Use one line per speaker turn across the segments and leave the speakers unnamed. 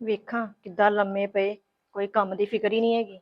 ਵੇਖਾਂ ਕਿੱਦਾਂ ਲੰਮੇ ਪਏ, ਕੋਈ ਕੰਮ ਦੀ ਫਿਕਰ ਹੀ ਨਹੀਂ ਹੈਗੀ।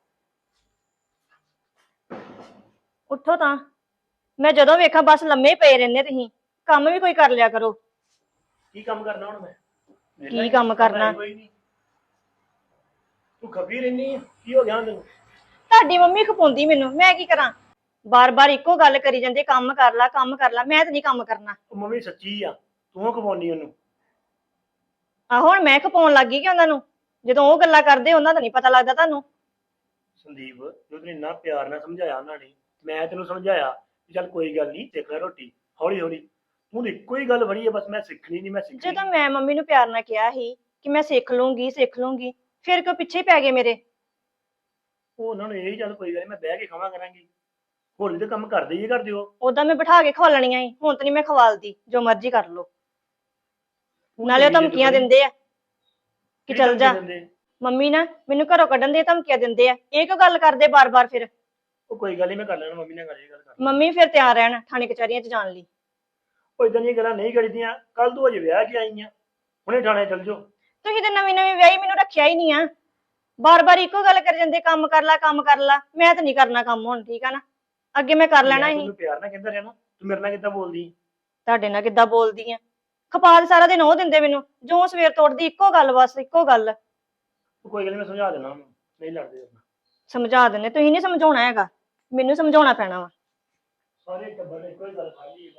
ਉੱਠੋ ਤਾਂ। ਮੈਂ ਜਦੋਂ ਵੇਖਾਂ ਬਸ ਲੰਮੇ ਪਏ ਰਹਿੰਦੇ ਤੁਸੀਂ। ਕੰਮ ਵੀ ਕੋਈ ਕਰ ਲਿਆ ਕਰੋ।
ਕੀ ਕੰਮ ਕਰਨਾ ਹੁਣ ਮੈਂ?
ਕੀ ਕੰਮ ਕਰਨਾ?
ਕੋਈ ਨਹੀਂ, ਤੂੰ ਖੱਬੀ ਰਹਿਨੀ ਆ, ਕੀ ਹੋ ਗਿਆ ਹੁਣ ਤੈਨੂੰ?
ਤੁਹਾਡੀ ਮੰਮੀ ਖਪਾਉਂਦੀ ਮੈਨੂੰ, ਮੈਂ ਕੀ ਕਰਾਂ? ਬਾਰ-ਬਾਰ ਇੱਕੋ ਗੱਲ ਕਰੀ ਜਾਂਦੇ, ਕੰਮ ਕਰ ਲੈ ਕੰਮ ਕਰ ਲੈ। ਮੈਂ ਤਾਂ ਨਹੀਂ ਕੰਮ ਕਰਨਾ।
ਉਹ ਮੰਮੀ ਸੱਚੀ ਆ, ਤੂੰ ਖਵਾਉਣੀ ਉਹਨੂੰ।
ਆਹੋ ਹੁਣ ਮੈਂ ਖਪਾਉਣ ਲੱਗ ਗਈ ਕਿ ਉਹਨਾਂ ਨੂੰ? ਜਦੋਂ ਉਹ ਗੱਲਾਂ ਕਰਦੇ ਉਹਨਾਂ ਦਾ ਨਹੀਂ ਪਤਾ ਲੱਗਦਾ ਤੁਹਾਨੂੰ?
ਸੰਦੀਪ, ਜੋ ਤੈਨੂੰ ਇੰਨਾ ਪਿਆਰ ਨਾਲ ਸਮਝਾਇਆ ਉਹਨਾਂ ਨੇ, ਮੈਂ ਤੈਨੂੰ ਸਮਝਾਇਆ ਵੀ ਚੱਲ ਕੋਈ ਗੱਲ ਨਹੀਂ, ਸਿੱਖ ਲੈ ਰੋਟੀ ਹੌਲੀ ਹੌਲੀ। ਤੂੰ ਤਾਂ ਇੱਕੋ ਹੀ ਗੱਲ ਵੜੀ ਆ, ਬਸ ਮੈਂ ਸਿੱਖਣੀ ਨਹੀਂ, ਮੈਂ ਸਿੱਖਣੀ।
ਜਦੋਂ ਮੈਂ ਮੰਮੀ ਨੂੰ ਪਿਆਰ ਨਾਲ ਕਿਹਾ ਸੀ ਕਿ ਮੈਂ ਸਿੱਖ ਲੂੰਗੀ ਸਿੱਖ ਲੂੰਗੀ, ਫਿਰ ਕਿਉਂ ਪਿੱਛੇ ਪੈ ਗਏ ਮੇਰੇ?
ਉਹ ਉਹਨਾਂ ਨੂੰ ਇਹ ਚੱਲ ਕੋਈ ਗੱਲ ਨੀ, ਮੈਂ ਬਹਿ ਕੇ ਖਾਵਾਂ ਕਰਾਂਗੀ। ਹੋਰ ਵੀ ਤਾਂ ਕੰਮ ਕਰਦੇ ਹੀ ਕਰਦੇ ਹੋ।
ਉਦਾਂ ਮੈਂ ਬਿਠਾ ਕੇ ਖਵਾਲਣੀਆਂ ਸੀ, ਹੁਣ ਤਾਂ ਨਹੀਂ ਮੈਂ ਖਵਾਲਦੀ, ਜੋ ਮਰਜ਼ੀ ਕਰ ਲੋ। ਨਾਲੇ ਉਹ ਧਮਕੀਆਂ ਦਿੰਦੇ ਆ ਕਿ ਚੱਲ ਜਾ। ਮੰਮੀ ਨਾ ਮੈਨੂੰ ਘਰੋਂ ਕੱਢਣ ਦੀਆਂ ਧਮਕੀਆਂ ਦਿੰਦੇ ਆ। ਇਹ ਕਿਉਂ ਗੱਲ ਕਰਦੇ ਬਾਰ-ਬਾਰ? ਫਿਰ
ਉਹ ਕੋਈ ਗੱਲ ਨੀ, ਮੈਂ ਕਰ ਲੈਣਾ ਮੰਮੀ ਨਾਲ ਗੱਲ, ਇਹ ਗੱਲ ਕਰ ਲੈਣਾ।
ਮੰਮੀ ਫਿਰ ਤਿਆਰ ਰਹਿਣ ਥਾਣੇ ਕਚਹਿਰੀਆਂ 'ਚ ਜਾਣ ਲਈ।
ਉਹ ਇਦਾਂ ਦੀਆਂ ਗੱਲਾਂ ਨਹੀਂ ਕਰੀਦੀਆਂ। ਕੱਲ ਤੂੰ ਅਜੇ ਵਿਆਹ ਕੇ ਆਈ ਆ, ਹੁਣੇ ਥਾਣੇ ਚੱਲ ਜਾਓ।
ਤੁਸੀਂ ਤਾਂ ਨਵੀਂ ਨਵੀਂ ਵਿਆਹੀ, ਮੈਨੂੰ ਰੱਖਿਆ ਹੀ ਨਹੀਂ ਆ। ਬਾਰ-ਬਾਰ ਇੱਕੋ ਗੱਲ ਕਰ ਜਾਂਦੇ, ਕੰਮ ਕਰ ਲੈ ਕੰਮ ਕਰ ਲੈ। ਮੈਂ ਤਾਂ ਨਹੀਂ ਕਰਨਾ ਕੰਮ ਹੁਣ, ਠੀਕ ਆ ਨਾ? ਅੱਗੇ ਮੈਂ ਕਰ ਲੈਣਾ ਸੀ।
ਤੈਨੂੰ ਪਿਆਰ ਨਾਲ ਕਹਿੰਦਾ ਰਿਹਾ ਨਾ, ਤੂੰ ਮੇਰੇ ਨਾਲ ਕਿੱਦਾਂ ਬੋਲਦੀ?
ਤੁਹਾਡੇ ਨਾਲ ਕਿੱਦਾਂ ਬੋਲਦੀ ਆ? ਖਪਾ ਸਾਰਾ ਦਿਨ ਉਹ ਦਿੰਦੇ ਮੈਨੂੰ, ਜੋ ਸਵੇਰ ਤੋੜਦੀ ਇੱਕੋ ਗੱਲ, ਬਸ ਇੱਕੋ ਗੱਲ।
ਕੋਈ ਗੱਲ ਨੀ, ਮੈਂ ਸਮਝਾ ਦੇਣਾ ਉਹਨੂੰ, ਨਹੀਂ ਲੜਦੇ ਆਪਾਂ।
ਸਮਝਾ ਦਿੰਦੇ ਤੁਸੀਂ, ਨਹੀਂ ਸਮਝਾਉਣਾ ਹੈਗਾ, ਮੈਨੂੰ ਸਮਝਾਉਣਾ ਪੈਣਾ ਵਾ।
ਸਾਰੇ ਟੱਬਰ ਨੇ ਕੋਈ ਗੱਲ ਖਾਲੀ।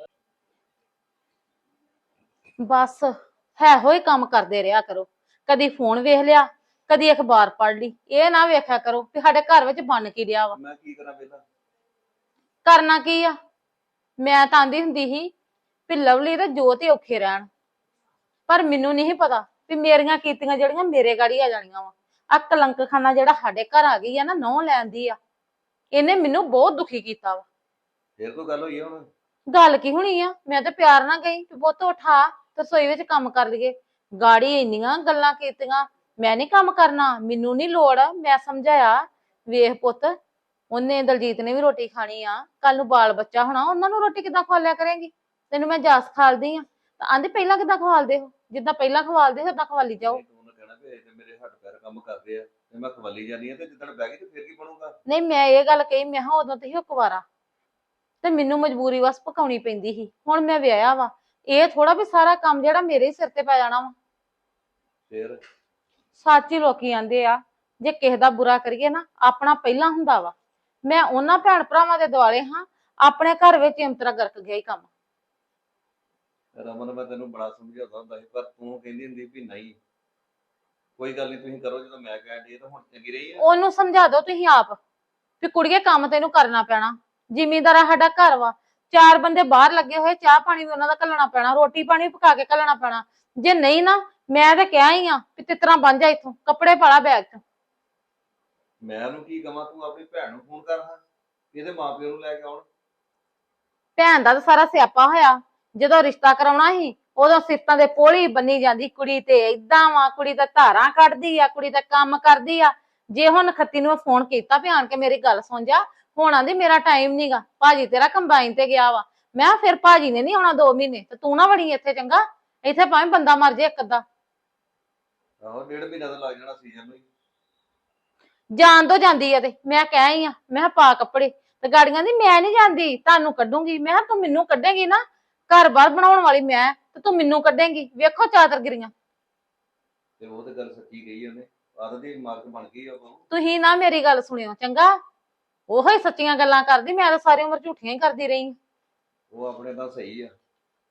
ਬਸ ਹੈ ਹੋਈ ਕੰਮ ਕਰਦੇ ਰਿਹਾ ਕਰੋ। ਕਦੀ ਫੋਨ ਵੇਖ ਲਿਆ, ਕਦੀ ਅਖਬਾਰ ਪੜ੍ਹ ਲਈ। ਇਹ ਨਾ ਵੇਖਿਆ ਕਰੋ ਕਿ ਸਾਡੇ ਘਰ ਵਿੱਚ ਬਣ ਕੀ ਰਿਹਾ ਵਾ।
ਮੈਂ ਕੀ ਕਰਾਂ ਪਹਿਲਾਂ?
ਕਰਨਾ ਕੀ ਆ? ਮੈਂ ਤਾਂ ਆਂਦੀ ਹੁੰਦੀ ਸੀ ਵੀ ਲਵਲੀ ਤੇ ਜੋਤ ਹੀ ਔਖੇ ਰਹਿਣ, ਪਰ ਮੈਨੂੰ ਨਹੀਂ ਪਤਾ ਵੀ ਮੇਰੀਆਂ ਕੀਤੀਆਂ ਜਿਹੜੀਆਂ ਮੇਰੇ ਗਾੜੀ ਆ ਜਾਣੀਆਂ ਵਾ। ਆ ਕਲੰਕ ਖਾਨਾ ਜਿਹੜਾ ਸਾਡੇ ਘਰ ਆ ਗਈ ਆ ਨਾ, ਨਹੁੰ ਲੈਂਦੀ ਆ, ਇਹਨੇ ਮੈਨੂੰ ਬਹੁਤ ਦੁਖੀ ਕੀਤਾ ਵਾ।
ਫੇਰ ਕੋਈ ਗੱਲ ਹੋਈ ਆ ਹੁਣ?
ਗੱਲ ਕੀ ਹੋਣੀ ਆ? ਮੈਂ ਤਾਂ ਪਿਆਰ ਨਾਲ ਗਈ ਵੀ ਪੁੱਤ ਉਠਾ ਤੇ ਰਸੋਈ ਵਿੱਚ ਕੰਮ ਕਰ ਲਈਏ। ਗਾੜੀ ਇੰਨੀਆਂ ਗੱਲਾਂ ਕੀਤੀਆਂ, ਮੈਂ ਨਹੀਂ ਕੰਮ ਕਰਨਾ, ਮੈਨੂੰ ਨਹੀਂ ਲੋੜ। ਮੈਂ ਸਮਝਾਇਆ, ਵੇਖ ਪੁੱਤ, ਉਹਨੇ ਦਲਜੀਤ ਨੇ ਵੀ ਰੋਟੀ ਖਾਣੀ ਆ, ਕੱਲ ਨੂੰ ਬਾਲ ਬੱਚਾ ਹੋਣਾ, ਉਹਨਾਂ ਨੂੰ ਰੋਟੀ ਕਿੱਦਾਂ ਖਵਾ ਲਿਆ ਕਰੇਂਗੀ? ਤੈਨੂੰ ਮੈਂ ਜਾਸ ਖਾਲਦੀ ਆ ਤਾਂ ਆਂਦੀ ਪਹਿਲਾਂ ਕਿੱਦਾਂ ਖਵਾਲਦੇ ਹੋ? ਜਿੱਦਾਂ ਪਹਿਲਾਂ ਖਵਾਲਦੇ ਹੋ ਉਦਾਂ ਖਵਾਲੀ ਜਾਓ।
ਉਹਨੇ ਕਹਿਣਾ ਵੀ ਇਹ ਤੇ ਮੇਰੇ ਹੱਥ ਪੈਰ ਕੰਮ ਕਰਦੇ ਆ ਤੇ ਮੈਂ ਖਵਾਲੀ ਜਾਨੀ ਆ, ਤੇ ਜਿੱਦਣ ਬਹਿ ਗਈ ਤੇ ਫੇਰ ਕੀ ਬਣੂਗਾ?
ਨਹੀਂ, ਮੈਂ ਇਹ ਗੱਲ ਕਹੀ, ਮੈਂ ਕਿਹਾ ਉਦੋਂ ਤੇ ਉਹ ਕੁਵਾਰਾ ਤੇ ਮੈਨੂੰ ਮਜਬੂਰੀ ਵਸ ਪਕਾਉਣੀ ਪੈਂਦੀ ਸੀ। ਹੁਣ ਮੈਂ ਵਿਆਹਿਆ ਵਾ, ਇਹ ਥੋੜਾ ਵੀ ਸਾਰਾ ਕੰਮ ਜਿਹੜਾ ਮੇਰੇ ਹੀ ਸਿਰ ਤੇ ਪੈ ਜਾਣਾ ਵਾ।
ਫੇਰ
ਸੱਚ ਹੀ ਲੋਕੀ ਆਂਦੇ ਆ, ਜੇ ਕਿਸੇ ਦਾ ਬੁਰਾ ਕਰੀਏ ਨਾ, ਆਪਣਾ ਪਹਿਲਾਂ ਹੁੰਦਾ ਵਾ। ਮੈਂ ਉਹਨਾਂ ਭੈਣ ਭਰਾਵਾਂ ਦੇ ਦੁਆਲੇ ਹਾਂ, ਆਪਣੇ ਘਰ ਵਿੱਚ ਇੰਤਰਾ ਗਰਕ ਗਿਆ ਹੀ ਕੰਮ।
ਰਮਨ, ਮੈਂ ਤੈਨੂੰ ਬੜਾ ਸਮਝਾਉਂਦਾ ਹੁੰਦਾ ਸੀ, ਪਰ ਤੂੰ ਕਹਿੰਦੀ ਹੁੰਦੀ ਵੀ ਨਹੀਂ ਕੋਈ ਗੱਲ ਨਹੀਂ, ਤੁਸੀਂ ਕਰੋ ਜਦੋਂ ਮੈਂ ਕਹਿਣ ਡਈ ਤਾਂ ਹੁਣ ਚੰਗੀ ਰਹੀ ਆ।
ਉਹਨੂੰ ਸਮਝਾ ਦਿਓ ਤੁਸੀਂ ਆਪ ਵੀ ਕੁੜੀਏ ਕੰਮ ਤੈਨੂੰ ਕਰਨਾ ਪੈਣਾ। ਜ਼ਿਮੀਂਦਾਰਾ ਸਾਡਾ ਘਰ ਵਾ, 4 ਬੰਦੇ ਬਾਹਰ ਲੱਗੇ ਹੋਏ, ਚਾਹ ਪਾਣੀ ਵੀ ਉਹਨਾਂ ਦਾ ਘੱਲਣਾ ਪੈਣਾ, ਰੋਟੀ ਪਾਣੀ ਵੀ ਪਕਾ ਕੇ ਘੱਲਣਾ ਪੈਣਾ। ਜੇ ਨਹੀਂ ਨਾ, ਮੈਂ ਤਾਂ ਕਿਹਾ ਹੀ ਆ ਵੀ ਤਿਤਰਾ ਬਣ ਜਾ, ਇੱਥੋਂ ਕੱਪੜੇ ਪਾਲਾ ਬੈਗ 'ਚ।
ਮੈਂ ਉਹਨੂੰ ਕੀ ਕਵਾਂ? ਤੂੰ ਆਪਣੀ ਭੈਣ ਨੂੰ ਫੋਨ ਕਰ ਹਾਂ, ਇਹਦੇ ਮਾਪਿਓ ਨੂੰ ਲੈ ਕੇ ਆਉਣ।
ਭੈਣ ਦਾ ਤਾਂ ਸਾਰਾ ਸਿਆਪਾ ਹੋਇਆ। ਜਦੋਂ ਰਿਸ਼ਤਾ ਕਰਾਉਣਾ ਸੀ ਉਦੋਂ ਸਿਫਤਾਂ ਦੇ ਪੋਲੀ ਬੰਨੀ ਜਾਂਦੀ, ਕੁੜੀ ਤੇ ਏਦਾਂ ਵਾ, ਕੁੜੀ ਤਾਂ ਧਾਰਾਂ ਕੱਢਦੀ ਆ, ਕੁੜੀ ਤਾਂ ਕੰਮ ਕਰਦੀ ਆ। ਜੇ ਹੁਣ ਖੱਤੀ ਨੂੰ ਫੋਨ ਕੀਤਾ ਵੀ ਆਣ ਕੇ ਮੇਰੀ ਗੱਲ ਸੁਣ ਜਾ, ਹੁਣ ਆਂਦੀ ਮੇਰਾ ਟਾਈਮ ਨਹੀਂਗਾ, ਭਾਜੀ ਤੇਰਾ ਕੰਬਾਈਨ ਤੇ ਗਿਆ ਵਾ। ਮੈਂ ਫਿਰ ਭਾਜੀ ਨੇ ਨਹੀਂ ਆਉਣਾ 2 ਮਹੀਨੇ, ਤੇ ਤੂੰ ਨਾ ਵੜੀ ਇੱਥੇ, ਚੰਗਾ? ਇੱਥੇ ਭਾਵੇਂ ਬੰਦਾ ਮਰ ਜੇ ਇੱਕ ਅੱਧਾ।
ਆਹੋ, 1.5 ਮਹੀਨਾ ਤਾਂ ਲੱਗ ਜਾਣਾ ਸੀਜ਼ਨ ਨੂੰ ਹੀ।
ਜਾਣ ਤੋਂ ਜਾਂਦੀ ਆ ਤੇ ਮੈਂ ਕਹਿ ਹੀ ਆ, ਮੈਂ ਕਿਹਾ ਪਾ ਕੱਪੜੇ। ਤੇ ਗਾੜੀਆਂ ਦੀ ਮੈਂ ਨਹੀਂ ਜਾਂਦੀ, ਤੁਹਾਨੂੰ ਕੱਢੂੰਗੀ। ਮੈਂ ਕਿਹਾ ਤੂੰ ਮੈਨੂੰ ਕੱਢੇਗੀ ਨਾ, ਘਰ ਬਾਰ ਬਣਾਉਣ ਵਾਲੀ ਮੈਂ, ਤੇ ਤੂੰ ਮੈਨੂੰ ਕੱਢੇਂਗੀ। ਵੇਖੋ ਚਾਦਰਗਿਰੀਆਂ।
ਤੇ ਉਹ ਤੇ ਗੱਲ ਸੱਚੀ ਕਹੀ ਉਹਨੇ, ਆਦਤ ਦੀ ਮਾਰਕ ਬਣ ਗਈ ਉਹ।
ਤੁਸੀਂ ਨਾ ਮੇਰੀ ਗੱਲ ਸੁਣਿਓ, ਚੰਗਾ? ਉਹੋ ਹੀ ਸੱਚੀਆਂ ਗੱਲਾਂ ਕਰਦੀ, ਮੈਂ ਤਾਂ ਸਾਰੀ ਉਮਰ ਝੂਠੀਆਂ ਹੀ ਕਰਦੀ ਰਹੀ।
ਉਹ ਆਪਣੇ ਤਾਂ ਸਹੀ ਆ।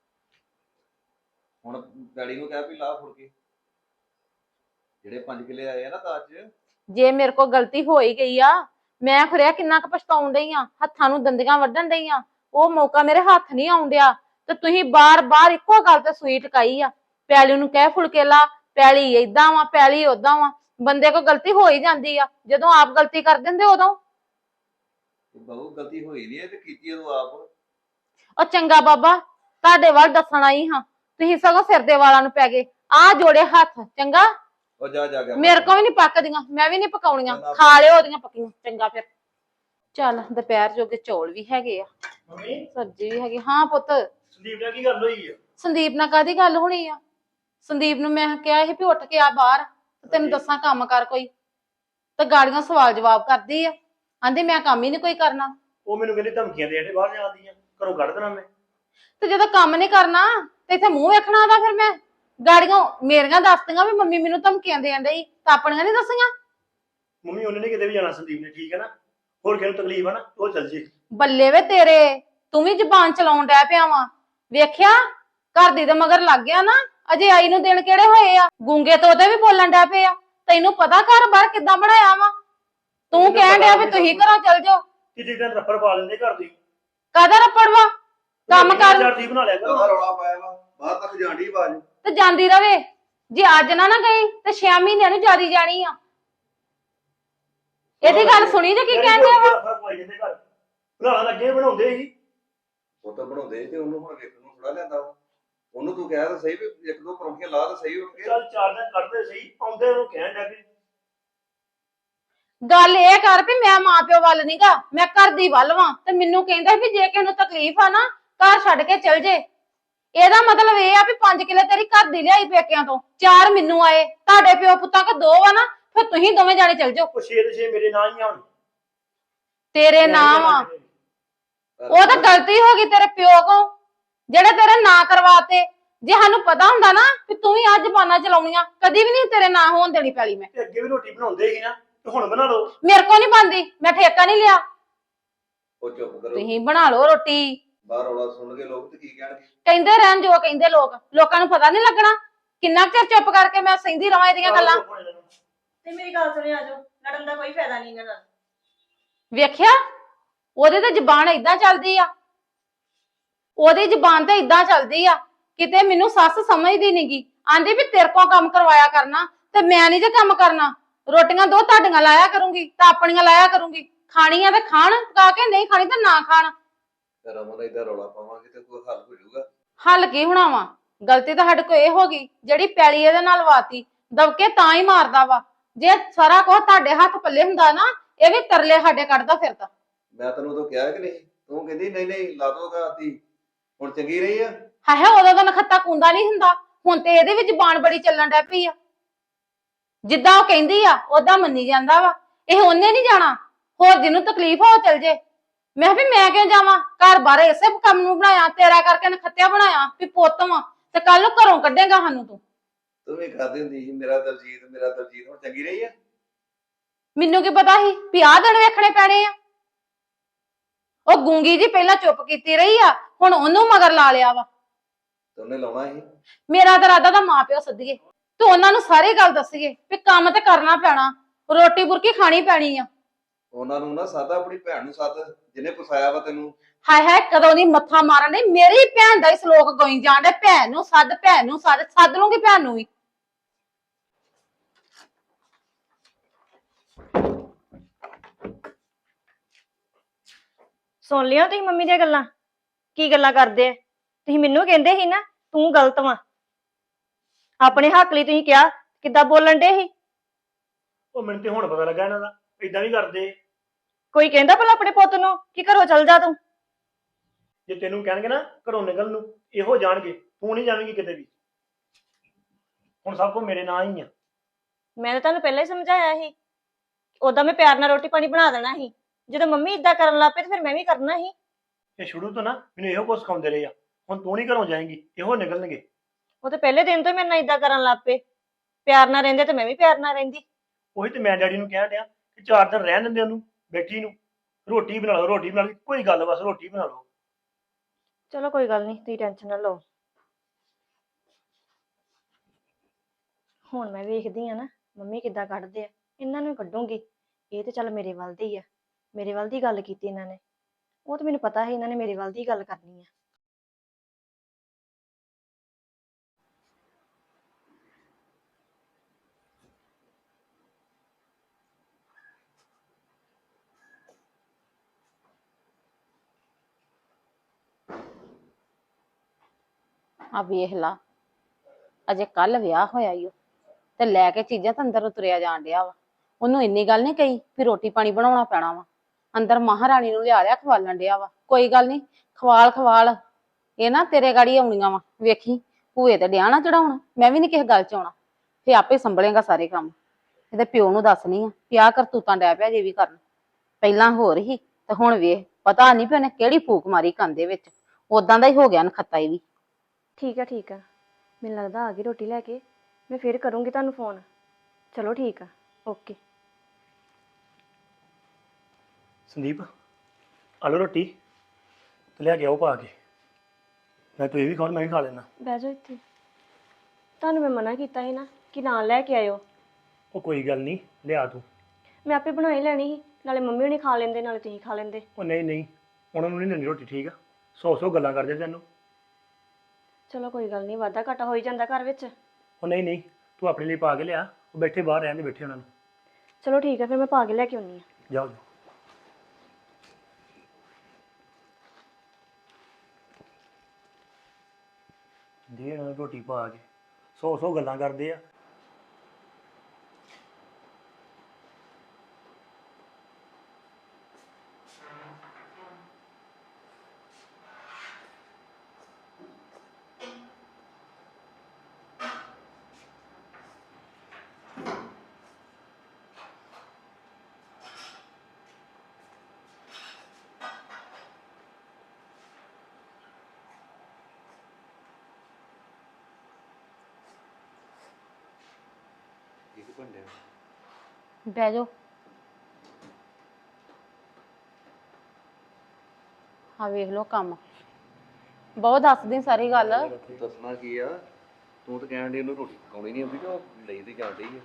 ਹੁਣ ਡੈਡੀ ਨੂੰ ਕਹਿ ਵੀ ਲਾ ਫੁੜ ਕੇ, ਜਿਹੜੇ 5 ਕਿੱਲੇ ਆਏ ਆ ਨਾ ਦਾਜ 'ਚ।
ਜੇ ਮੇਰੇ ਕੋਲ ਗਲਤੀ ਹੋ ਹੀ ਗਈ ਆ, ਮੈਂ ਖਰਿਆ ਕਿੰਨਾ ਕੁ ਪਛਤਾਉਣ ਡਈ ਆ, ਹੱਥਾਂ ਨੂੰ ਦੰਦੀਆਂ ਵੱਢਣ ਡਈ ਆ, ਉਹ ਮੌਕਾ ਮੇਰੇ ਹੱਥ ਨਹੀਂ ਆਉਣ ਡਿਆ। ਤੇ ਤੁਸੀਂ ਬਾਰ-ਬਾਰ ਇੱਕੋ ਗੱਲ ਤੇ ਸੂਈ ਟਕਾਈ ਆ, ਪੈਲੀ ਨੂੰ ਕਹਿ ਫੁਲਕੇ ਲਾ, ਪੈਲੀ ਏਦਾਂ ਵਾ, ਪੈਲੀ ਓਦਾਂ ਵਾ। ਬੰਦੇ ਕੋਲ ਗਲਤੀ ਹੋ ਹੀ ਜਾਂਦੀ ਆ, ਜਦੋਂ ਆਪ ਗਲਤੀ ਕਰ ਦਿੰਦੇ ਉਦੋਂ।
ਬਹੁ ਗਲਤੀ ਹੋਈ ਨਹੀਂ, ਇਹ ਤੇ ਕੀਤੀ ਉਹ ਆਪ।
ਉਹ ਚੰਗਾ ਬਾਬਾ, ਤੁਹਾਡੇ ਵੱਲ ਦੱਸਣ ਆਈ ਹਾਂ, ਤੁਸੀਂ ਸਗੋਂ ਸਿਰ ਦੇ ਵਾਲਾਂ ਨੂੰ ਪੈ ਗਏ। ਆ ਜੋੜੇ ਹੱਥ, ਚੰਗਾ?
ਉਹ ਜਾ ਜਾ ਗਿਆ
ਮੇਰੇ ਕੋਲ ਵੀ ਨਹੀਂ ਪੱਕਦੀਆਂ, ਮੈਂ ਵੀ ਨਹੀਂ ਪਕਾਉਣੀਆਂ, ਖਾ ਲਿਓ ਉਹਦੀਆਂ ਪੱਕੀਆਂ। ਚੰਗਾ ਫਿਰ ਚੱਲ, ਦੁਪਹਿਰ ਜੋਗੇ ਚੌਲ ਵੀ ਹੈਗੇ ਆ,
ਮੰਮੀ,
ਸਬਜ਼ੀ ਵੀ ਹੈਗੀ। ਹਾਂ ਪੁੱਤ।
ਸੰਦੀਪ ਨਾਲ ਕੀ ਗੱਲ ਹੋਈ ਆ?
ਸੰਦੀਪ ਨਾਲ ਕਾਹਦੀ ਗੱਲ ਹੋਣੀ ਆ? ਸੰਦੀਪ ਨੂੰ ਮੈਂ ਕਿਹਾ ਸੀ ਵੀ ਉੱਠ ਕੇ ਆ ਬਾਹਰ, ਤੈਨੂੰ ਦੱਸਾਂ ਕੰਮ ਕਰ ਕੋਈ ਤੇ ਗਾੜੀਆਂ ਸਵਾਲ ਜਵਾਬ ਕਰਦੀ ਆ, ਆਂਦੀ ਮੈਂ ਕੰਮ ਹੀ ਨਹੀਂ ਕੋਈ ਕਰਨਾ।
ਉਹ ਮੈਨੂੰ ਕਹਿੰਦੀ ਧਮਕੀਆਂ ਦੇ ਬਾਹਰ ਜਾਂਦੀਆਂ, ਘਰੋਂ ਕੱਢ ਦੇਣਾ ਮੈਂ।
ਤੇ ਜਦੋਂ ਕੰਮ ਨਹੀਂ ਕਰਨਾ ਤੇ ਇੱਥੇ ਮੂੰਹ ਵੇਖਣਾ ਉਹਦਾ, ਫਿਰ ਮੈਂ ਗਾੜੀਆਂ ਮੇਰੀਆਂ ਦੱਸਦੀਆਂ ਵੀ ਮੰਮੀ ਮੈਨੂੰ ਧਮਕੀਆਂ ਦੇਣ ਡਈ, ਤਾਂ ਆਪਣੀਆਂ ਨਹੀਂ ਦੱਸੀਆਂ।
ਮੰਮੀ ਉਹਨੇ ਨੀ ਕਿਤੇ ਵੀ ਜਾਣਾ ਸੰਦੀਪ ਨੇ, ਠੀਕ ਹੈ ਨਾ। ਹੋਰ ਕਿਹਨੂੰ ਤਕਲੀਫ ਆ ਨਾ ਉਹ ਚੱਲ ਜੇ।
ਬੱਲੇ ਵੇ ਤੇਰੇ, ਤੂੰ ਵੀ ਜ਼ਬਾਨ ਚਲਾਉਣ ਡੈ ਪਿਆ ਵਾ। ਵੇਖਿਆ ਘਰ ਦੀ ਦੇ ਮਗਰ ਲੱਗ ਗਿਆ ਨਾ, ਅਜੇ ਆਈ ਨੂੰ ਦਿਨ ਕਿਹੜੇ ਹੋਏ ਆ, ਗੂੰਗੇ ਤੋਤੇ ਵੀ ਬੋਲਣ ਡੈ ਪਏ ਆ। ਤੈਨੂੰ ਪਤਾ ਘਰ ਬਾਰ ਕਿੱਦਾਂ ਬਣਾਇਆ ਵਾ, ਤੂੰ ਕਹਿਣ ਡਿਆ ਵੀ ਤੁਸੀਂ ਘਰੋਂ ਚੱਲ ਜਾਓ।
ਕਿਤੇ ਦਿਨ ਰੱਫੜ ਪਾ ਲੈਂਦੇ ਘਰ ਦੀ।
ਕਾਹਦਾ ਰੱਪੜ ਵਾ, ਕੰਮ ਕਰ।
ਚਾਰ ਦੀ ਬਣਾ ਲਿਆ
ਉਹਦਾ
ਕਰ।
ਰੌਲਾ ਪਾਇਆ ਵਾ, ਬਾਹਰ ਤੱਕ ਜਾਂਦੀ ਆਵਾਜ਼।
ਤੇ ਜਾਂਦੀ ਰਵੇ, ਜੇ ਅੱਜ ਨਾ ਗਈ ਤੇ 6 ਮਹੀਨਿਆਂ ਨੂੰ ਜਾਰੀ ਜਾਣੀ ਆ। ਇਹਦੀ ਗੱਲ ਸੁਣੀ ਜੇ ਕੀ ਕਹਿਣ ਡਿਆ ਵਾ।
ਰੱਫੜ ਪਾਈ ਜਾਂਦੇ ਘਰ, ਬਣਾਉਣ ਲੱਗੇ ਬਣਾਉਂਦੇ ਸੀ।
ਉਹ ਤਾਂ ਬਣਾਉਂਦੇ ਤੇ ਉਹਨੂੰ ਹੁਣ ਵੇਖਣ ਨੂੰ ਥੋੜਾ ਲਿਆਂਦਾ ਵਾ। ਉਹਨੂੰ ਤੂੰ ਕਹਿ ਤਾਂ ਸਹੀ ਵੀ ਇੱਕ ਦੋ ਪਰੌਂਠੀਆਂ ਲਾ ਤਾਂ ਸਹੀ ਉੱਠ ਕੇ।
ਚੱਲ 4 ਦਿਨ ਕੱਢਦੇ ਸਹੀ, ਆਉਂਦੇ ਉਹਨੂੰ ਕਹਿਣ ਡਿਆ ਵੀ
ਗੱਲ ਇਹ ਕਰ ਵੀ ਮੈਂ ਮਾਂ ਪਿਓ ਵੱਲ ਨੀਗਾ, ਮੈਂ ਘਰ ਦੀ ਵੱਲ ਵਾਂ। ਤੇ ਮੈਨੂੰ ਕਹਿੰਦਾ ਵੀ ਜੇ ਕਿਸੇ ਨੂੰ ਤਕਲੀਫ ਆ ਨਾ ਘਰ ਛੱਡ ਕੇ ਚਲ ਜੇ। ਇਹਦਾ ਮਤਲਬ ਇਹ ਆ ਵੀ 5 ਕਿੱਲੇ ਤੇਰੀ ਘਰ ਦੀ ਲਿਆਈ ਪੇਕਿਆਂ ਤੋਂ, 4 ਮੈਨੂੰ ਆਏ। ਤੁਹਾਡੇ ਪਿਓ ਪੁੱਤਾਂ ਕੋ 2 ਆ ਨਾ, ਫਿਰ ਤੁਸੀਂ ਦੋਵੇਂ ਜਾਣੇ ਚਲ ਜਾਓ।
ਉਹ 6 ਦੇ 6 ਮੇਰੇ ਨਾਂ ਹੀ ਆ ਹੁਣ।
ਤੇਰੇ ਨਾਂ ਵਾ, ਉਹ ਤਾਂ ਗਲਤੀ ਹੋ ਗਈ ਤੇਰੇ ਪਿਓ ਕੋ ਜਿਹੜੇ ਤੇਰੇ ਨਾਂ ਕਰਵਾਤੇ। ਜੇ ਸਾਨੂੰ ਪਤਾ ਹੁੰਦਾ ਨਾ ਕਿ ਤੂੰ ਵੀ ਅੱਜ ਜ਼ਬਾਨਾਂ ਚਲਾਉਣੀਆਂ, ਕਦੀ ਵੀ ਨਹੀਂ ਤੇਰੇ ਨਾਂ ਹੋਣ ਦੇਣੀ ਪੈਲੀ ਮੈਂ।
ਤੇ ਅੱਗੇ ਵੀ ਰੋਟੀ ਬਣਾਉਂਦੇ ਸੀ ਨਾ, ਤੇ ਹੁਣ ਬਣਾ ਲਓ।
ਮੇਰੇ ਕੋ ਨਹੀਂ ਬਣਦੀ, ਮੈਂ ਠੇਕਾ ਨਹੀਂ ਲਿਆ।
ਉਹ ਚੁੱਪ ਕਰੋ,
ਤੁਸੀਂ ਬਣਾ ਲਓ ਰੋਟੀ।
ਬਾਹਰ ਰੌਲਾ ਸੁਣ ਕੇ ਲੋਕ ਤੇ ਕੀ ਕਹਿਣਗੇ।
ਕਹਿੰਦੇ ਰਹਿਣ ਜੋ ਕਹਿੰਦੇ ਲੋਕ, ਲੋਕਾਂ ਨੂੰ ਪਤਾ ਨਹੀਂ ਲੱਗਣਾ। ਕਿੰਨਾ ਚਿਰ ਚੁੱਪ ਕਰਕੇ ਮੈਂ ਸਹਿੰਦੀ ਰਵਾਂ ਇਹਦੀਆਂ ਗੱਲਾਂ।
ਤੇ ਮੇਰੀ ਗੱਲ ਸੁਣਿਓ, ਆਜੋ, ਲੜਨ ਦਾ ਕੋਈ ਫਾਇਦਾ ਨਹੀਂ ਇਹਨਾਂ ਨਾਲ।
ਵੇਖਿਆ ਉਹਦੇ ਤੇ ਜ਼ਬਾਨ ਏਦਾਂ ਚੱਲਦੀ ਆ, ਉਹਦੀ ਜ਼ਬਾਨ ਤੇ ਏਦਾਂ ਚੱਲਦੀ ਆ। ਕਿਤੇ ਮੈਨੂੰ ਸੱਸ ਸਮਝਦੀ ਨਹੀਂਗੀ, ਆਂਦੀ ਵੀ ਤੇਰੇ ਕੋਲ ਕੰਮ ਕਰਵਾਇਆ ਕਰਨਾ ਤੇ ਮੈਂ ਨਹੀਂ ਜੇ ਕੰਮ ਕਰਨਾ। ਰੋਟੀਆਂ 2 ਤੁਹਾਡੀਆਂ ਲਾਇਆ ਕਰੂੰਗੀ ਤਾਂ ਆਪਣੀਆਂ ਲਾਇਆ ਕਰੂੰਗੀ। ਖਾਣੀਆਂ ਤੇ ਖਾਣ ਪਕਾ ਕੇ, ਨਹੀਂ ਖਾਣੀ ਤਾਂ ਨਾ ਖਾਣ।
ਰਮਨ ਏਦਾਂ ਰੌਲਾ ਪਾਵਾਂਗੇ ਤੇ ਕੋਈ ਹੱਲ ਹੋ ਜਾਊਗਾ?
ਹੱਲ ਕੀ ਹੋਣਾ ਵਾ, ਗਲਤੀ ਤਾਂ ਸਾਡੇ ਕੋਲ ਇਹ ਹੋ ਗਈ ਜਿਹੜੀ ਪੈਲੀ ਇਹਦੇ ਨਾਲ ਵਾਤੀ। ਦਬਕੇ ਤਾਂ ਹੀ ਮਾਰਦਾ ਵਾ। ਜੇ ਸਾਰਾ ਕੁਝ ਤੁਹਾਡੇ ਹੱਥ ਪੱਲੇ ਹੁੰਦਾ ਨਾ, ਇਹ ਵੀ ਤਰਲੇ ਸਾਡੇ ਕੱਢਦਾ ਫਿਰਦਾ।
ਮੈਂ ਤੈਨੂੰ ਉਦੋਂ ਕਿਹਾ ਕਿ ਨਹੀਂ, ਤੂੰ ਕਹਿੰਦੀ ਨਹੀਂ ਨਹੀਂ ਲਾ ਦੋਗਾ ਆਤੀ। ਹੁਣ ਚੰਗੀ ਰਹੀ ਆ।
ਹਾਏ ਉਦੋਂ ਤਾਂ ਨਖੱਤਾ ਕੁੰਦਾ ਨਹੀਂ ਹੁੰਦਾ, ਹੁਣ ਤੇ ਇਹਦੇ ਵਿੱਚ ਜ਼ਬਾਨ ਬੜੀ ਚੱਲਣ ਡੈ ਪਈ ਆ। ਜਿੱਦਾਂ ਉਹ ਕਹਿੰਦੀ ਆ ਓਦਾਂ ਮੰਨੀ ਜਾਂਦਾ ਵਾ। ਇਹ ਉਹਨੇ ਨਹੀਂ ਜਾਣਾ, ਹੋਰ ਜਿਹਨੂੰ ਤਕਲੀਫ ਹੋ ਚਲ ਜੇ। ਮੈਂ ਵੀ ਮੈਂ ਕਿਉਂ ਜਾਵਾਂ, ਘਰ ਬਾਰੇ ਇਸੇ ਕੰਮ ਨੂੰ ਬਣਾਇਆ, ਤੇਰਾ ਕਰਕੇ ਨਖੱਤਿਆ ਬਣਾਇਆ ਵੀ ਪੁੱਤ ਵਾਂ, ਤੇ ਕੱਲ ਨੂੰ ਘਰੋਂ ਕੱਢੇਗਾ ਸਾਨੂੰ ਤੂੰ।
ਤੂੰ ਵੀ ਕਰਦੀ ਹੁੰਦੀ ਸੀ ਮੇਰਾ ਦਲਜੀਤ ਮੇਰਾ ਦਲਜੀਤ, ਹੁਣ ਚੰਗੀ ਰਹੀ ਆ।
ਮੈਨੂੰ ਕੀ ਪਤਾ ਸੀ ਵੀ ਆਹ ਦਿਨ ਵੇਖਣੇ ਪੈਣੇ ਆ। ਉਹ ਗੂੰਗੀ ਜੀ ਪਹਿਲਾਂ ਚੁੱਪ ਕੀਤੀ ਰਹੀ ਆ, ਹੁਣ ਉਹਨੂੰ ਮਗਰ ਲਾ ਲਿਆ ਵਾ।
ਤੇ ਉਹਨੇ ਲਾਉਣਾ ਸੀ।
ਮੇਰਾ ਤਾਂ ਇਰਾਦਾ ਤਾਂ ਮਾਂ ਪਿਓ ਸੱਦੀਏ ਤੇ ਉਹਨਾਂ ਨੂੰ ਸਾਰੀ ਗੱਲ ਦੱਸੀਏ ਵੀ ਕੰਮ ਤੇ ਕਰਨਾ ਪੈਣਾ, ਰੋਟੀ ਬੁਰਕੀ ਖਾਣੀ ਪੈਣੀ ਆ।
ਉਹਨਾਂ ਨੂੰ ਨਾ ਸੱਦ, ਆਪਣੀ ਭੈਣ ਨੂੰ ਸੱਦ ਜਿਹਨੇ ਫਸਾਇਆ ਵਾ ਤੈਨੂੰ।
ਹਾਏ ਹਾਏ ਕਦੋਂ ਦੀ ਮੱਥਾ ਮਾਰਨ ਡਈ, ਮੇਰੀ ਭੈਣ ਦਾ ਹੀ ਸਲੋਕ ਗੋਈ ਜਾਣ ਡੇ। ਭੈਣ ਨੂੰ ਸੱਦ, ਭੈਣ ਨੂੰ ਸੱਦ, ਸੱਦ ਲੂੰਗੀ ਭੈਣ ਨੂੰ ਵੀ।
ਸੁਣ ਲਿਆ ਤੁਸੀਂ ਮੰਮੀ ਦੀਆਂ ਗੱਲਾਂ, ਕੀ ਗੱਲਾਂ ਕਰਦੇ ਆ। ਤੁਸੀਂ ਮੈਨੂੰ ਕਹਿੰਦੇ ਸੀ ਨਾ ਤੂੰ ਗਲਤ ਵਾਂ, ਆਪਣੇ ਹੱਕ ਲਈ ਤੁਸੀਂ ਕਿਹਾ, ਕਿੱਦਾਂ ਬੋਲਣ ਡੇ ਸੀ।
ਉਹ ਮੈਨੂੰ ਤੇ ਹੁਣ ਪਤਾ ਲੱਗਾ ਇਹਨਾਂ ਦਾ ਇਦਾਂ ਵੀ ਕਰਦੇ।
ਕੋਈ ਕਹਿੰਦਾ ਭਲਾ ਆਪਣੇ ਪੁੱਤ ਨੂੰ ਕਿ ਘਰੋਂ ਚੱਲ ਜਾ ਤੂੰ।
ਜੇ ਤੈਨੂੰ ਕਹਿਣਗੇ ਨਾ ਘਰੋਂ ਨਿਕਲ ਨੂੰ, ਇਹੋ ਜਾਣਗੇ, ਤੂੰ ਨਹੀਂ ਜਾਵੇਂਗੀ ਕਿਤੇ ਵੀ। ਹੁਣ ਸਭ ਕੁਝ ਮੇਰੇ ਨਾਂ ਹੀ ਆ।
ਮੈਂ ਤਾਂ ਤੁਹਾਨੂੰ ਪਹਿਲਾਂ ਹੀ ਸਮਝਾਇਆ ਸੀ, ਉਦਾਂ ਮੈਂ ਪਿਆਰ ਨਾਲ ਰੋਟੀ ਪਾਣੀ ਬਣਾ ਦੇਣਾ ਸੀ। ਜਦੋਂ ਮੰਮੀ ਇਦਾਂ ਕਰਨ ਲੱਗ ਪਏ ਤੇ ਫਿਰ ਮੈਂ ਵੀ ਕਰਨਾ ਸੀ।
ਇਹ ਸ਼ੁਰੂ ਤੋਂ ਨਾ ਮੈਨੂੰ ਇਹੋ ਕੁਝ ਸਿਖਾਉਂਦੇ ਰਹੇ ਆ। ਹੁਣ ਤੂੰ ਨਹੀਂ ਘਰੋਂ ਜਾਏਂਗੀ, ਇਹੋ ਨਿਕਲਣਗੇ।
ਉਹ ਤੇ ਪਹਿਲੇ ਦਿਨ ਤੋਂ ਹੀ ਮੇਰੇ ਨਾਲ ਇਦਾਂ ਕਰਨ ਲੱਗ ਪਏ। ਪਿਆਰ ਨਾਲ ਰਹਿੰਦੇ ਤੇ ਮੈਂ ਵੀ ਪਿਆਰ ਨਾਲ ਰਹਿੰਦੀ।
ਉਹੀ ਤੇ ਮੈਂ ਡੈਡੀ ਨੂੰ ਕਹਿਣ ਡਿਆ ਕਿ 4 ਦਿਨ ਰਹਿਣ ਦਿੰਦੇ ਉਹਨੂੰ ਬੈਠੀ ਨੂੰ, ਰੋਟੀ ਬਣਾ ਲਓ, ਰੋਟੀ ਬਣਾ ਲਈ, ਕੋਈ ਗੱਲ, ਬਸ ਰੋਟੀ ਬਣਾ ਲਓ।
ਚਲੋ ਕੋਈ ਗੱਲ ਨਹੀਂ, ਤੁਸੀਂ ਟੈਨਸ਼ਨ ਨਾ ਲਓ। ਹੁਣ ਮੈਂ ਵੇਖਦੀ ਆ ਨਾ ਮੰਮੀ ਕਿੱਦਾਂ ਕੱਢਦੇ ਆ, ਇਹਨਾਂ ਨੂੰ ਕੱਢੂੰਗੀ। ਇਹ ਤੇ ਚੱਲ ਮੇਰੇ ਵੱਲ ਦੀ ਆ, ਮੇਰੇ ਵੱਲ ਦੀ ਗੱਲ ਕੀਤੀ ਇਹਨਾਂ ਨੇ। ਉਹ ਤਾਂ ਮੈਨੂੰ ਪਤਾ ਸੀ ਇਹਨਾਂ ਨੇ ਮੇਰੇ ਵੱਲ ਦੀ ਗੱਲ ਕਰਨੀ ਆ।
ਆ ਵੇਖ ਲਾ, ਅਜੇ ਕੱਲ ਵਿਆਹ ਹੋਇਆ ਈ ਓ ਤੇ ਲੈ ਕੇ ਚੀਜ਼ਾਂ ਤਾਂ ਅੰਦਰ ਉਤਰਿਆ ਜਾਣ ਡਿਆ ਵਾ। ਉਹਨੂੰ ਇੰਨੀ ਗੱਲ ਨਹੀਂ ਕਹੀ ਵੀ ਰੋਟੀ ਪਾਣੀ ਬਣਾਉਣਾ ਪੈਣਾ ਵਾ। ਅੰਦਰ ਮਹਾਰਾਣੀ ਨੂੰ ਲਿਆ ਖਵਾਲਣ ਡਿਆ ਵਾ। ਕੋਈ ਗੱਲ ਨਹੀਂ, ਖਵਾਲ ਖਵਾਲ, ਇਹ ਨਾ ਤੇਰੇ ਗਾੜੀ ਆਉਣੀਆਂ ਵਾ। ਵੇਖੀ ਭੂਏ ਤੇ ਡਿਆ ਨਾ ਚੜਾਉਣ, ਮੈਂ ਵੀ ਨਹੀਂ ਕਿਸੇ ਗੱਲ ਚ ਆਉਣਾ। ਫੇ ਆਪੇ ਸੰਭਲੇਗਾ ਸਾਰੇ ਕੰਮ। ਇਹਦੇ ਪਿਓ ਨੂੰ ਦੱਸਣੀ ਆ ਕਿ ਆਹ ਕਰਤੂਤਾਂ ਡੈ ਪਿਆ ਜੇ ਵੀ ਕਰਨ। ਪਹਿਲਾਂ ਹੋਰ ਹੀ ਤੇ ਹੁਣ ਵੇਖ ਪਤਾ ਨਹੀਂ ਵੀ ਉਹਨੇ ਕਿਹੜੀ ਫੂਕ ਮਾਰੀ ਕੰਨ ਦੇ ਵਿੱਚ, ਉਦਾਂ ਦਾ ਹੀ ਹੋ ਗਿਆ ਨਖੱਤਾ ਇਹ ਵੀ।
ਠੀਕ ਆ ਮੈਨੂੰ ਲੱਗਦਾ ਆ ਗਈ ਰੋਟੀ ਲੈ ਕੇ, ਮੈਂ ਫਿਰ ਕਰੂੰਗੀ ਤੁਹਾਨੂੰ ਫੋਨ। ਚਲੋ ਠੀਕ ਆ, ਓਕੇ।
ਸੰਦੀਪ ਆ ਲਓ ਰੋਟੀ ਤੇ ਲਿਆ ਕੇ ਆਓ ਪਾ ਕੇ। ਮੈਂ ਤੂੰ ਇਹ ਵੀ ਖਾਣ, ਮੈਂ ਵੀ ਖਾ ਲੈਣਾ।
ਬਹਿ ਜਾਓ ਇੱਥੇ। ਤੁਹਾਨੂੰ ਮੈਂ ਮਨਾ ਕੀਤਾ ਸੀ ਨਾ ਕਿ ਨਾਲ ਲੈ ਕੇ ਆਇਓ।
ਉਹ ਕੋਈ ਗੱਲ ਨਹੀਂ, ਲਿਆ ਤੂੰ।
ਮੈਂ ਆਪੇ ਬਣਾ ਹੀ ਲੈਣੀ ਸੀ, ਨਾਲੇ ਮੰਮੀ ਹੁਣੀ ਖਾ ਲੈਂਦੇ ਨਾਲੇ ਤੁਸੀਂ ਖਾ ਲੈਂਦੇ।
ਉਹ ਨਹੀਂ ਉਹਨਾਂ ਨੂੰ ਨਹੀਂ ਦਿੰਦੀ ਰੋਟੀ, ਠੀਕ ਆ? 100 ਗੱਲਾਂ ਕਰਦੇ ਤੈਨੂੰ।
ਚਲੋ ਕੋਈ ਗੱਲ ਨਹੀਂ, ਵਾਧਾ ਘਾਟਾ ਹੋ ਹੀ ਜਾਂਦਾ ਘਰ ਵਿੱਚ।
ਉਹ ਨਹੀਂ ਤੂੰ ਆਪਣੇ ਲਈ ਪਾ ਕੇ ਲਿਆ, ਉਹ ਬੈਠੇ ਬਾਹਰ ਰਹਿਣ ਦੇ, ਬੈਠੇ ਉਹਨਾਂ ਨੂੰ।
ਚਲੋ ਠੀਕ ਆ, ਫਿਰ ਮੈਂ ਪਾ ਕੇ ਲੈ ਕੇ ਆਉਣੀ ਆ।
ਜਾਓ ਦੇ ਇਹਨਾਂ ਨੂੰ ਰੋਟੀ ਪਾ ਕੇ। 100 ਗੱਲਾਂ ਕਰਦੇ ਆ।
ਬਹਿ ਜਾਓ। ਹਾਂ ਵੇਖ ਲਓ ਕੰਮ ਬਹੁਤ ਦੱਸਦੀ ਸਾਰੀ ਗੱਲ।
ਦੱਸਣਾ ਕੀ ਆ, ਤੂੰ ਤਾਂ ਕਹਿਣ ਦੀ ਉਹਨੂੰ ਰੋਟੀ ਪਕਾਉਣੀ ਨਹੀਂ ਆਉਂਦੀ ਤੇ ਉਹ ਲਈ ਤੇ ਜਾਣ ਡਈ ਆ।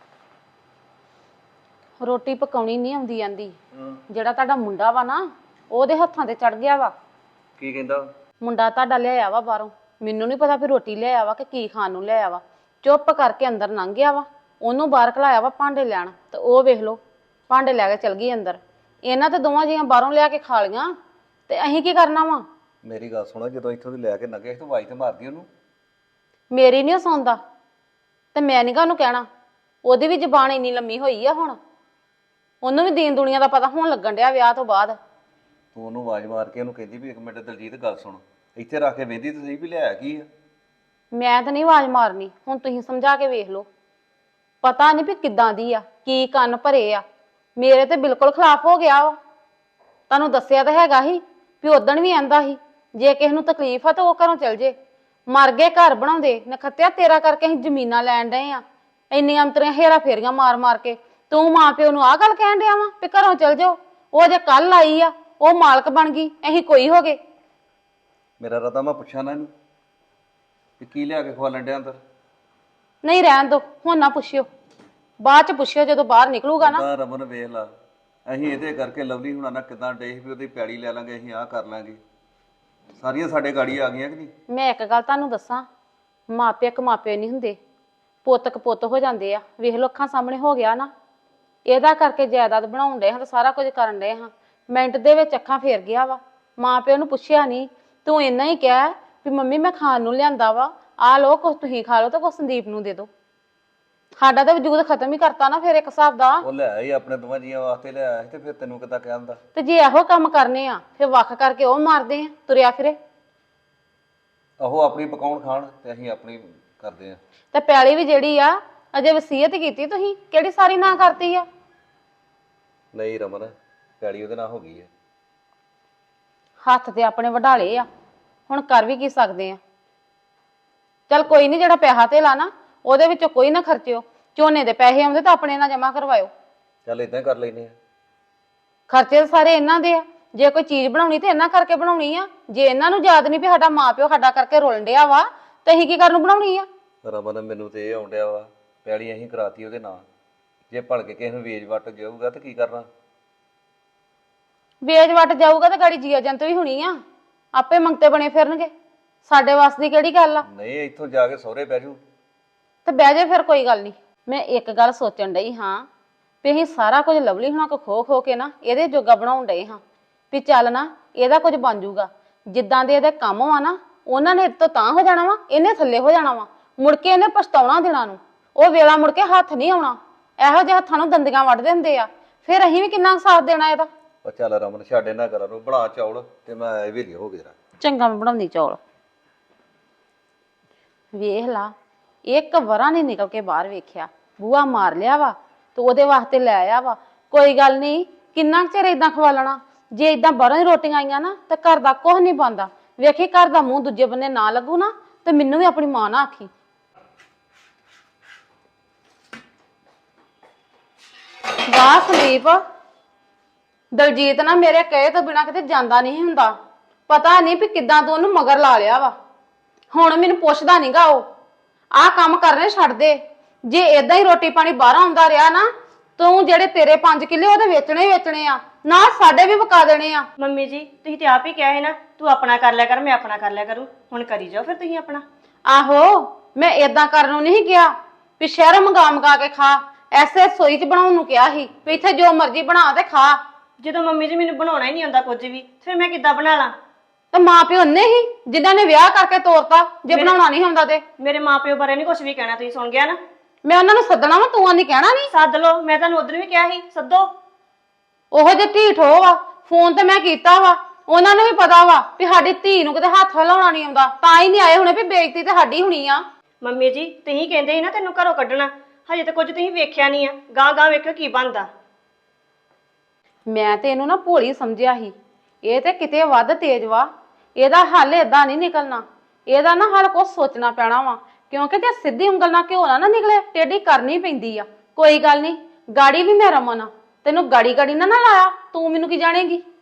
ਰੋਟੀ ਪਕਾਉਣੀ ਨਹੀਂ ਆਉਂਦੀ ਜਾਂਦੀ।
ਹਾਂ
ਜਿਹੜਾ ਤੁਹਾਡਾ ਮੁੰਡਾ ਵਾ ਨਾ ਉਹਦੇ ਹੱਥਾਂ ਤੇ ਚੜ ਗਿਆ ਵਾ।
ਕੀ ਕਹਿੰਦਾ?
ਮੁੰਡਾ ਤੁਹਾਡਾ ਲਿਆਇਆ ਵਾ ਬਾਹਰੋਂ, ਮੈਨੂੰ ਨਹੀਂ ਪਤਾ ਵੀ ਰੋਟੀ ਲਿਆਇਆ ਵਾ ਕਿ ਕੀ ਖਾਣ ਨੂੰ ਲਿਆਇਆ ਵਾ। ਚੁੱਪ ਕਰਕੇ ਅੰਦਰ ਲੰਘ ਗਿਆ ਵਾ, ਉਹਨੂੰ ਬਾਹਰ ਖਲਾਇਆ ਵਾ ਭਾਂਡੇ ਲੈਣ, ਤੇ ਉਹ ਵੇਖ ਲਓ ਭਾਂਡੇ ਲੈ ਕੇ ਚਲ ਗਈ ਅੰਦਰ। ਇਹਨਾਂ ਤੇ ਦੋਵਾਂ ਜੀਆਂ ਬਾਹਰੋਂ ਲਿਆ ਕੇ ਖਾ ਲੀਆਂ ਤੇ ਅਸੀਂ ਕੀ ਕਰਨਾ ਵਾ?
ਮੇਰੀ ਗੱਲ ਸੁਣਾ, ਜਦੋਂ ਇੱਥੋਂ ਦੀ ਲੈ ਕੇ ਲੰਘੇ ਤੂੰ ਆਵਾਜ਼ ਤੇ ਮਾਰਦੀ ਉਹਨੂੰ।
ਮੇਰੀ ਨਹੀਂ ਸੌਂਦਾ ਤੇ ਮੈਂ ਨੀ ਗਾ ਉਹਨੂੰ ਕਹਿਣਾ। ਉਹਦੀ ਵੀ ਜ਼ਬਾਨ ਇੰਨੀ ਲੰਮੀ ਹੋਈ ਆ ਹੁਣ, ਉਹਨੂੰ ਵੀ ਦੀਨ ਦੁਨੀਆ ਦਾ ਪਤਾ ਹੋਣ ਲੱਗਣ ਡਿਆ ਵਿਆਹ ਤੋਂ ਬਾਅਦ।
ਤੂੰ ਉਹਨੂੰ ਆਵਾਜ਼ ਮਾਰ ਕੇ ਉਹਨੂੰ ਕਹਿੰਦੀ ਵੀ 1 ਮਿੰਟ ਦਲਜੀਤ ਗੱਲ ਸੁਣ, ਇੱਥੇ ਰੱਖ ਕੇ ਵੇਂਦੀ ਤੇ ਸਹੀ ਵੀ ਲਿਆਇਆ ਕੀ ਆ।
ਮੈਂ ਤਾਂ ਨਹੀਂ ਆਵਾਜ਼ ਮਾਰਨੀ, ਹੁਣ ਤੁਸੀਂ ਸਮਝਾ ਕੇ ਵੇਖ ਲਓ। ਪਤਾ ਨਹੀਂ ਵੀ ਕਿੱਦਾਂ ਦੀ ਆ, ਕੀ ਕੰਨ ਭਰੇ ਆ। ਮੇਰੇ ਤੇ ਬਿਲਕੁਲ ਖਿਲਾਫ ਹੋ ਗਿਆ ਵਾ। ਤੁਹਾਨੂੰ ਦੱਸਿਆ ਤਾਂ ਹੈਗਾ ਹੀ ਵੀ ਉਦਣ ਵੀ ਆਂਦਾ ਸੀ ਜੇ ਕਿਸੇ ਨੂੰ ਤਕਲੀਫ ਆ ਤਾਂ ਉਹ ਘਰੋਂ ਚਲ ਜੇ। ਮਰ ਗਏ ਘਰ ਬਣਾਉਂਦੇ, ਨਖੱਤਿਆ ਤੇਰਾ ਕਰਕੇ ਅਸੀਂ ਜ਼ਮੀਨਾਂ ਲੈਣ ਡਏ ਆ। ਇੰਨੀਆਂ ਅੰਤਰੀਆਂ ਹੇਰਾ ਫੇਰੀਆਂ ਮਾਰ ਕੇ ਤੂੰ ਮਾਂ ਪਿਓ ਨੂੰ ਆਹ ਗੱਲ ਕਹਿਣ ਡਿਆ ਵਾ ਵੀ ਘਰੋਂ ਚਲ ਜਾਓ। ਉਹ ਜੇ ਕੱਲ ਆਈ ਆ ਉਹ ਮਾਲਕ ਬਣ ਗਈ, ਅਸੀਂ ਕੋਈ ਹੋ ਗਏ।
ਮੇਰਾ ਰਤਾ ਮੈਂ ਪੁੱਛਾਂ ਨਾ ਇਹਨੂੰ ਵੀ ਕੀ ਲਿਆ ਕੇ ਖਵਾ ਲੈਂਦੇ ਅੰਦਰ।
ਨਹੀਂ ਰਹਿਣ ਦੋ, ਹੁਣ ਨਾ ਪੁੱਛਿਓ, ਬਾਅਦ ਚ ਪੁੱਛਿਓ ਜਦੋਂ ਬਾਹਰ ਨਿਕਲੂਗਾ ਨਾ।
ਤਾਂ ਰਮਨ ਵੇਖ ਲਾ, ਅਸੀਂ ਇਹਦੇ ਕਰਕੇ ਲਵਲੀ ਹੁਣਾਂ ਨਾਲ ਕਿਦਾਂ ਡੇ ਵੀ ਉਹਦੀ ਪੈੜੀ ਲੈ ਲਾਂਗੇ, ਅਸੀਂ ਆਹ ਕਰ ਲਾਂਗੇ। ਸਾਰੀਆਂ ਸਾਡੇ ਗਾੜੀ ਆ ਗਈਆਂ ਕਿ ਨਹੀਂ?
ਮੈਂ ਇੱਕ ਗੱਲ ਤੁਹਾਨੂੰ ਦੱਸਾਂ, ਮਾਪੇ ਇੱਕ ਮਾਪੇ ਨਹੀਂ ਹੁੰਦੇ, ਪੁੱਤ ਕਪੁੱਤ ਹੋ ਜਾਂਦੇ ਆ। ਵੇਖ ਲੋ ਅੱਖਾਂ ਸਾਹਮਣੇ ਹੋ ਗਿਆ ਨਾ, ਇਹਦਾ ਕਰਕੇ ਜਾਇਦਾਦ ਬਣਾਉਣ ਡਏ ਹਾਂ ਤੇ ਸਾਰਾ ਕੁਝ ਕਰਨ ਡਏ ਹਾਂ, ਮਿੰਟ ਦੇ ਵਿੱਚ ਅੱਖਾਂ ਫੇਰ ਗਿਆ ਵਾ। ਮਾਂ ਪਿਓ ਨੂੰ ਪੁੱਛਿਆ ਨਹੀਂ, ਤੂੰ ਇੰਨਾ ਹੀ ਕਹਿ ਵੀ ਮੰਮੀ ਮੈਂ ਖਾਣ ਨੂੰ ਲਿਆਂਦਾ ਵਾ, ਆ ਲੋ ਕੁਛ ਤੁਸੀਂ ਖਾ ਲਓ ਤੇ ਕੁਛ ਸੰਦੀਪ ਨੂੰ ਦੇ ਦਿਓ। ਸਾਡਾ ਤਾਂ ਵਜੂਦ ਖਤਮ ਹੀ ਕਰਤਾ ਨਾ ਫਿਰ ਇੱਕ ਹਿਸਾਬ ਦਾ।
ਉਹ ਲਿਆਇਆ ਹੀ ਆਪਣੇ ਦੋਵਾਂ ਜੀਆਂ ਵਾਸਤੇ ਲਿਆਇਆ ਸੀ ਤੇ ਫਿਰ ਤੈਨੂੰ ਕਿੱਦਾਂ ਕਹਿੰਦਾ?
ਤੇ ਜੇ ਇਹੋ ਕੰਮ ਕਰਨੇ ਆ ਫਿਰ ਵੱਖ ਕਰਕੇ ਉਹ ਮਾਰਦੇ ਆ ਤੁਰਿਆ ਫਿਰੇ।
ਉਹ ਆਪਣੀ ਪਕਾਉਣ ਖਾਣ ਤੇ ਅਸੀਂ ਆਪਣੀ ਕਰਦੇ ਆ।
ਤੇ ਪੈਲੀ ਵੀ ਜਿਹੜੀ ਆ ਅਜੇ ਵਸੀਅਤ ਕੀਤੀ ਤੁਸੀਂ, ਕਿਹੜੀ ਸਾਰੀ ਨਾ ਕਰਤੀ ਆ?
ਨਹੀਂ ਰਮਨ, ਪੈੜੀ ਉਹਦੇ ਨਾਲ ਹੋ ਗਈ ਹੈ।
ਹੱਥ ਤੇ ਆਪਣੇ ਵਢਾਲੇ ਆ, ਹੁਣ ਕਰ ਵੀ ਕੀ ਸਕਦੇ ਆ। ਚੱਲ ਕੋਈ ਨਹੀਂ, ਜਿਹੜਾ ਪੈਸਾ ਧੇਲਾ ਨਾ ਉਹਦੇ ਵਿੱਚੋਂ ਕੋਈ ਨਾ ਖਰਚਿਓ। ਝੋਨੇ ਦੇ ਪੈਸੇ ਆਉਂਦੇ ਤਾਂ ਆਪਣੇ ਨਾਲ ਜਮਾ ਕਰਵਾਇਓ।
ਚੱਲ ਇਦਾਂ ਕਰ ਲੈਨੇ ਆ।
ਖਰਚੇ ਤਾਂ ਸਾਰੇ ਇਹਨਾਂ ਦੇ ਆ। ਜੇ ਕੋਈ ਚੀਜ਼ ਬਣਾਉਣੀ ਤੇ ਇਹਨਾਂ ਕਰਕੇ ਬਣਾਉਣੀ ਆ। ਜੇ ਇਹਨਾਂ ਨੂੰ ਯਾਦ ਨਹੀਂ ਵੀ ਸਾਡਾ ਮਾਂ ਪਿਓ ਸਾਡਾ ਕਰਕੇ ਰੁਲਣ ਡਿਆ ਵਾ ਤੇ ਅਸੀਂ ਕੀ ਕਰਨ ਨੂੰ ਬਣਾਉਣੀ ਆ?
ਰਮਨ ਮੈਨੂੰ ਤੇ ਇਹ ਆਉਂਦਿਆ ਵਾ, ਪੈੜੀ ਅਸੀਂ ਕਰਾਤੀ ਉਹਦੇ ਨਾਲ, ਜੇ ਭਲਕੇ ਕਿਸੇ ਨੂੰ ਵੇਚ ਵੱਟ ਜਾਊਗਾ ਤੇ ਕੀ ਕਰਨਾ?
ਵੇਚ ਵੱਟ ਜਾਊਗਾ ਤੇ ਗਾੜੀ ਜੀਆ ਜੰਤ ਵੀ ਹੋਣੀ ਆ, ਆਪੇ ਮੰਗਤੇ ਬਣੇ ਫਿਰਨਗੇ। ਸਾਡੇ ਵਾਸ ਦੀ ਕਿਹੜੀ ਗੱਲ ਆ?
ਨਹੀਂ ਇੱਥੋਂ ਜਾ ਕੇ ਸਹੁਰੇ ਬਹਿ ਜੂ
ਤੇ ਬਹਿ ਜਾ ਫਿਰ, ਕੋਈ ਗੱਲ ਨਹੀਂ। ਮੈਂ ਇੱਕ ਗੱਲ ਸੋਚਣ ਡਈ ਹਾਂ ਵੀ ਅਸੀਂ ਸਾਰਾ ਕੁਝ ਲਵਲੀ ਹੁਣਾਂ ਕੋ ਖੋ ਕੇ ਨਾ ਇਹਦੇ ਜੋਗਾ ਬਣਾਉਣ ਡਏ ਹਾਂ ਵੀ ਚੱਲ ਨਾ ਇਹਦਾ ਕੁਝ ਬਣ ਜਾਊਗਾ। ਜਿੱਦਾਂ ਦੇ ਇਹਦੇ ਕੰਮ ਆ ਨਾ, ਉਹਨਾਂ ਨੇ ਤੋਂ ਤਾਂ ਹੋ ਜਾਣਾ ਵਾ, ਇਹਨੇ ਥੱਲੇ ਹੋ ਜਾਣਾ ਵਾ। ਮੁੜ ਕੇ ਇਹਨੇ ਪਛਤਾਉਣਾ ਦਿਨਾਂ ਨੂੰ, ਉਹ ਵੇਲਾ ਮੁੜ ਕੇ ਹੱਥ ਨਹੀਂ ਆਉਣਾ। ਇਹੋ ਜਿਹੇ ਹੱਥਾਂ ਨੂੰ ਦੰਦੀਆਂ ਵੱਢ ਦਿੰਦੇ ਆ, ਫਿਰ ਅਸੀਂ ਵੀ ਕਿੰਨਾ ਸਾਥ ਦੇਣਾ ਇਹਦਾ।
ਉਹ ਚੱਲ ਰਮਨ ਛੱਡ ਇਹਨਾਂ ਘਰਾਂ ਨੂੰ, ਬਣਾ ਚੌਲ ਤੇ ਮੈਂ ਇਹ ਹੋ ਗਿਆ।
ਚੰਗਾ ਮੈਂ ਬਣਾਉਂਦੀ ਚੌਲ। ਵੇਖ ਲਾ ਇੱਕ ਵਰਾ ਨਹੀਂ ਨਿਕਲ ਕੇ ਬਾਹਰ ਵੇਖਿਆ। ਬੂਆ ਮਾਰ ਲਿਆ ਵਾ ਤੇ ਉਹਦੇ ਵਾਸਤੇ ਲੈ ਆਇਆ ਵਾ। ਕੋਈ ਗੱਲ ਨਹੀਂ, ਕਿੰਨਾ ਕੁ ਚਿਰ ਇਦਾਂ ਖਵਾ ਲੈਣਾ। ਜੇ ਇਦਾਂ ਬਾਹਰੋਂ ਹੀ ਰੋਟੀਆਂ ਆਈਆਂ ਨਾ ਤੇ ਘਰ ਦਾ ਕੁਝ ਨਹੀਂ ਬਣਦਾ। ਵੇਖੀ ਘਰ ਦਾ ਮੂੰਹ ਦੂਜੇ ਬੰਨੇ ਨਾ ਲੱਗੂ ਨਾ ਤੇ ਮੈਨੂੰ ਵੀ ਆਪਣੀ ਮਾਂ ਨਾ ਆਖੀ। ਵਾਹ ਸੰਦੀਪ, ਦਲਜੀਤ ਨਾ ਮੇਰੇ ਕਹੇ ਤੋਂ ਬਿਨਾ ਕਿਤੇ ਜਾਂਦਾ ਨਹੀਂ ਹੁੰਦਾ। ਪਤਾ ਨਹੀਂ ਵੀ ਕਿੱਦਾਂ ਤੂੰ ਉਹਨੂੰ ਮਗਰ ਲਾ ਲਿਆ ਵਾ। ਹੁਣ ਮੈਨੂੰ ਪੁੱਛਦਾ ਨਹੀਂਗਾ ਉਹ। ਆਹ ਕੰਮ ਕਰਨੇ ਛੱਡ ਦੇ। ਜੇ ਏਦਾਂ ਹੀ ਰੋਟੀ ਪਾਣੀ ਬਾਹਰ ਆਉਂਦਾ ਰਿਹਾ ਨਾ, ਤੂੰ ਜਿਹੜੇ ਤੇਰੇ 5 ਕਿੱਲੇ ਉਹਦੇ ਵੇਚਣੇ ਹੀ ਵੇਚਣੇ ਆ, ਨਾ ਸਾਡੇ ਵੀ ਵਕਾ ਦੇਣੇ ਆ।
ਮੰਮੀ ਜੀ ਤੁਸੀਂ ਤੇ ਆਪ ਹੀ ਕਿਹਾ ਹੈ ਨਾ, ਤੂੰ ਆਪਣਾ ਕਰ ਲਿਆ ਕਰ, ਮੈਂ ਆਪਣਾ ਕਰ ਲਿਆ ਕਰੂੰ। ਹੁਣ ਕਰੀ ਜਾਓ ਫਿਰ ਤੁਸੀਂ ਆਪਣਾ।
ਆਹੋ, ਮੈਂ ਏਦਾਂ ਕਰਨ ਨੂੰ ਨਹੀਂ ਕਿਹਾ ਵੀ ਸ਼ਹਿਰੋਂ ਮੰਗਾ ਕੇ ਖਾ। ਐਸੇ ਰਸੋਈ 'ਚ ਬਣਾਉਣ ਨੂੰ ਕਿਹਾ ਸੀ ਵੀ ਇੱਥੇ ਜੋ ਮਰਜ਼ੀ ਬਣਾ ਤੇ ਖਾ।
ਜਦੋਂ ਮੰਮੀ ਜੀ ਮੈਨੂੰ ਬਣਾਉਣਾ ਹੀ ਨਹੀਂ ਆਉਂਦਾ ਕੁਝ ਵੀ, ਫਿਰ ਮੈਂ ਕਿੱਦਾਂ ਬਣਾ ਲਾਂ?
ਤੇ ਮਾਂ ਪਿਓ ਨੇ ਹੀ ਜਿਨ੍ਹਾਂ ਨੇ ਵਿਆਹ ਕਰਕੇ ਤੋਰਤਾ। ਜੇ ਬਣਾਉਣਾ ਨਹੀਂ ਹੁੰਦਾ ਤੇ
ਮੇਰੇ ਮਾਪਿਓ ਬਾਰੇ ਨਹੀਂ ਕੁਝ ਵੀ ਕਹਿਣਾ, ਤੁਸੀਂ ਸੁਣ ਗਿਆ ਨਾ।
ਮੈਂ ਉਹਨਾਂ ਨੂੰ ਸੱਦਣਾ ਵਾ, ਤੂੰ ਆਂਦੀ ਕਹਿਣਾ ਨਹੀਂ।
ਸੱਦ ਲਓ, ਮੈਂ ਤੁਹਾਨੂੰ ਉਧਰ ਵੀ ਕਿਹਾ ਸੀ ਸੱਦੋ।
ਉਹੋ ਜੇ ਢੀਠ ਹੋ ਵਾ। ਫੋਨ ਤੇ ਮੈਂ ਕੀਤਾ ਵਾ, ਉਹਨਾਂ ਨੂੰ ਵੀ ਪਤਾ ਵਾ ਵੀ ਸਾਡੀ ਧੀ ਨੂੰ ਕਿਤੇ ਹੱਥ ਹਿਲਾਉਣਾ ਨਹੀਂ ਆਉਂਦਾ, ਤਾਂ ਹੀ ਨਹੀਂ ਆਏ ਹੁਣੇ ਵੀ ਬੇਇੱਜ਼ਤੀ ਤੇ ਸਾਡੀ ਹੋਣੀ ਆ।
ਮੰਮੀ ਜੀ ਤੁਸੀਂ ਕਹਿੰਦੇ ਸੀ ਨਾ ਤੈਨੂੰ ਘਰੋਂ ਕੱਢਣਾ, ਹਜੇ ਤਾਂ ਕੁਝ ਤੁਸੀਂ ਵੇਖਿਆ ਨਹੀਂ ਆ। ਗਾਂ ਗਾਂ ਵੇਖਿਓ ਕੀ ਬਣਦਾ।
ਮੈਂ ਤੇ ਇਹਨੂੰ ਨਾ ਭੋਲੀ ਸਮਝਿਆ ਸੀ, ਇਹ ਤੇ ਕਿਤੇ ਵੱਧ ਤੇਜ਼ ਵਾ। ਇਹਦਾ ਹੱਲ ਏਦਾਂ ਨਹੀਂ ਨਿਕਲਣਾ। ਇਹਦਾ ਨਾ ਹੱਲ ਕੁਛ ਸੋਚਣਾ ਪੈਣਾ ਵਾ, ਕਿਉਂਕਿ ਜੇ ਸਿੱਧੀ ਉਂਗਲ ਨਾਲ ਘਿਓ ਨਾ ਨਿਕਲੇ, ਟੇਢੀ ਕਰਨੀ ਪੈਂਦੀ ਆ। ਕੋਈ ਗੱਲ ਨਹੀਂ, ਗਾੜੀ ਵੀ ਮੈਂ ਰਮਨ ਆ, ਤੈਨੂੰ ਗਾੜੀ ਨਾ ਲਾਇਆ, ਤੂੰ ਮੈਨੂੰ ਕੀ ਜਾਣੇਗੀ।